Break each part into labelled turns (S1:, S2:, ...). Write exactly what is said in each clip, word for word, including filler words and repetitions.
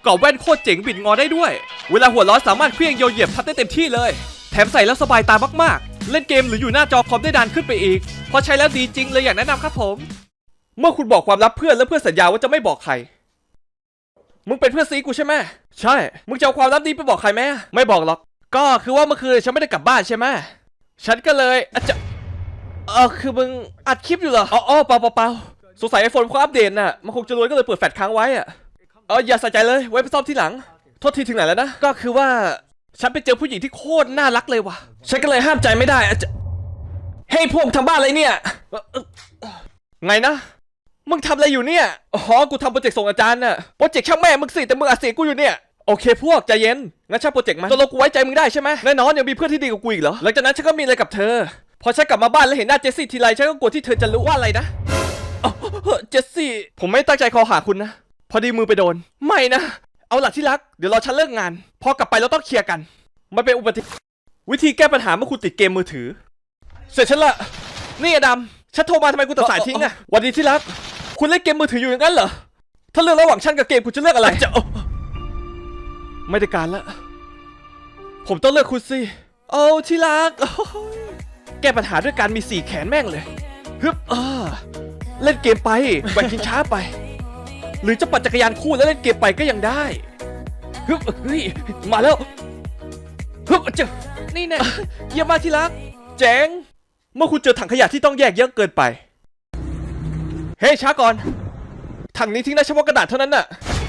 S1: กรอบแว่นโคตรเจ๋งบิดงอได้ด้วยเวลาหัวร้อนสามารถเคลื่อนโยนเหยียบทับได้เต็มที่เลยแถมใส่แล้วสบายตามากๆเล่นเกมหรืออยู่หน้าจอคอมได้นานขึ้นไปอีกพอใช้แล้วดีจริงเลยอยากแนะนำครับผมเมื่อคุณบอกความลับเพื่อนแล้วเพื่อนสัญญาว่าจะไม่บอกใครมึงเป็นเพื่อนซีกูใช่ไหมใช่มึงจะเอาความลับนี้ไปบอกใครไหมไม่บอกหรอกก็คือว่าเมื่อคืนฉันไม่ได้กลับบ้านใช่ไหมฉันก็เลยอาจจะเออคือมึงอัดคลิปอยู่เหรออ๋อเปล่าเปล่าเปล่าสงสัยไอโฟนเขาอัปเดตน่ะมันคงจะรวยก็เลยเปิดแฟลชค้างไว้อะเอออย่าใส่ใจเลยไว้ไปซ่อมทีหลังโทษทีถึงไหนแล้วนะก็คือว่าฉันไปเจอผู้หญิงที่โคตรน่ารักเลยว่ะฉันก็เลยห้ามใจไม่ได้อาจจะเฮ้ยพวกทำบ้านอะไรเนี่ยไงนะมึงทำอะไรอยู่เนี่ยอ๋อกูทำโปรเจกต์ส่งอาจารย์น่ะโปรเจกต์ช่างแม่มึงสิแต่มึงอัดเสียงกูอยู่เนี่ยโอเคพวกใจเย็นงั้นช่างโปรเจกต์มันตกลงกูไว้ใจมึงได้ใช่ไหมแน่นอนยังมีเพื่อนที่ดีกว่ากูอีกเหรอหลังจากนั้นฉันก็มีอะไรกับเธอพอฉันกลับมาบ้านแล้วเห็นหน้าเจสซี่ทีไรฉันก็กลัวที่เธอจะรู้ว่าอะไรนะอ๋อเจสซี่ผมไม่ตั้งใจคอหาคุณนะพอดีมือไปโดนไม่นะเอาหลักที่รักเดี๋ยวรอฉันเลิกงานพอกลับไปเราต้องเคลียร์กันมันเป็นอุบัติวิธีแก้ปัญหาเมื่อคุณติดเกมมือถือเสร็จฉันละนี่อดัมฉันโทรมาทำไมคุณตัดสายทิ้งอะวันดีที่รักคุณเล่นเกมมือถืออยู่อย่างนั้นเหรอถ้าเลือกระหว่างฉันกับเกมคุณจะเลือกอะไรจะไม่ได้การละผมต้องเลือกคุณสิโอ้ที่รักแก้ปัญหาด้วยการมีสี่แขนแม่งเลยฮึบเออเล่นเกมไปแบ่งกินช้าไปหรือจะปั่นจักรยานคู่แล้วเล่นเกมไปก็ยังได้ฮึบเฮ้ยมาแล้วฮึบเจ้านี่แน่เยี่ยมมากที่รักเจ๋งเมื่อคุณเจอถังขยะที่ต้องแยกเยอะเกินไปเฮ้ยช้าก่อนถังนี้ทิ้งได้เฉพาะกระดาษเท่านั้นน่ะ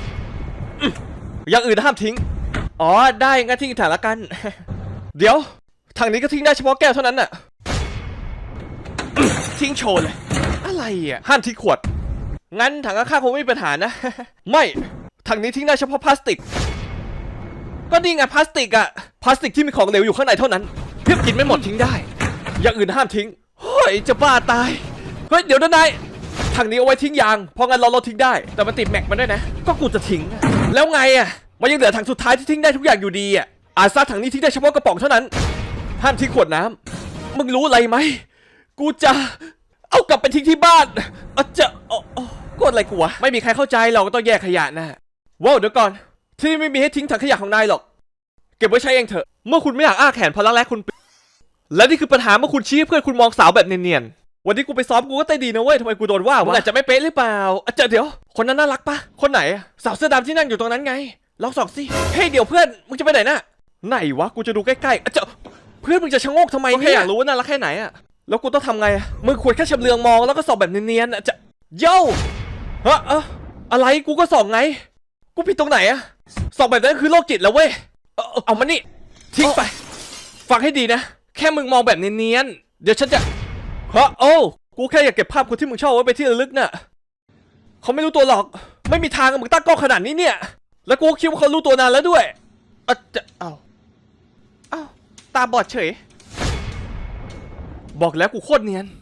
S1: อย่างอื่นห้ามทิ้งอ๋อได้งั้นทิ้งถังละกันเดี๋ยวถังนี้ก็ทิ้งได้เฉพาะแก้วเท่านั้นน่ะทิ้งโชว์เลยอะไรอ่ะห้ามทิ้งขวดงั้นถังข้างๆคงไม่มีปัญหานะไม่ถังนี้ทิ้งได้เฉพาะพลาสติกก็นี่ไงพลาสติกอะพลาสติกที่มีของเหลวอยู่ข้างในเท่านั้นเพียบกินไม่หมดทิ้งได้อย่างอื่นห้ามทิ้งเฮ้ยจะบ้าตายเฮ้ยเดี๋ยวนะนายถังนี้เอาไว้ทิ้งยางเพราะงั้นเราเราทิ้งได้แต่มันติดแม็กมันด้วยนะก็กูจะทิ้งแล้วไงอะมันยังเหลือถังสุดท้ายที่ทิ้งได้ทุกอย่างอยู่ดีอะอาซาถังนี้ทิ้งได้เฉพาะกระป๋องเท่านั้นห้ามทิ้งขวดน้ำมึงรู้อะไรไหมกูจะเอากลับไปทิ้งที่บ้านอาจจะกดอะไรกูวะไม่มีใครเข้าใจเราก็ต้องแยกขยะนะว้าวเดี๋ยวก่อนที่นี่ไม่มีให้ทิ้งถังขยะของนายหรอกเก็บไว้ใช้เองเถอะเมื่อคุณไม่อยากอ้าแขนเพราะรักแร้คุณและนี่คือปัญหาเมื่อคุณชี้เพื่อนคุณมองสาวแบบเนียนๆวันที่กูไปซ้อมกูก็เต้นดีนะเว้ยทำไมกูโดนว่าวะอาจจะไม่เป๊ะหรือเปล่าอาจจะเดี๋ยวคนนั้นน่ารักปะคนไหนสาวเสื้อดำที่นั่งอยู่ตรงนั้นไงลองส่องสิเฮ้ยเดี๋ยวเพื่อนมึงจะไปไหนน่ะไหนวะกูจะดูใกล้ๆอาจจะเพื่อนมึงจะชะโงกทำไมเนี่ยแค่อยากรู้ว่าน่ารักแค่ไหนอะแล้วกูต้องทำไงมึงควรแค่ชำเลืองมองแล้วก็ส่องแบบเนียนๆอาจจะโย่ฮะอะอะไรกูก็ส่องไงกูผิดตรงไหนอะส่องแบบนั้นคือโรคจิตแล้วเว้ยเอาเอามานี่ทิ้งไปฟังให้ดีนะแค่มึงมองแบบเนียนๆเดี๋ยวฉันจะฮะโอ้กูแค่อยากเก็บภาพคนที่มึงชอบไว้ไปที่ระลึกน่ะเขาไม่รู้ตัวหรอกไม่มีทางมึงตั้งกล้องขนาดนี้เนี่ยแล้วกูคิดว่าเขารู้ตัวนานแล้วด้วยอ่ะจะเอาเอาตาบอดเฉยบอกแล้วกูโคตรเนียน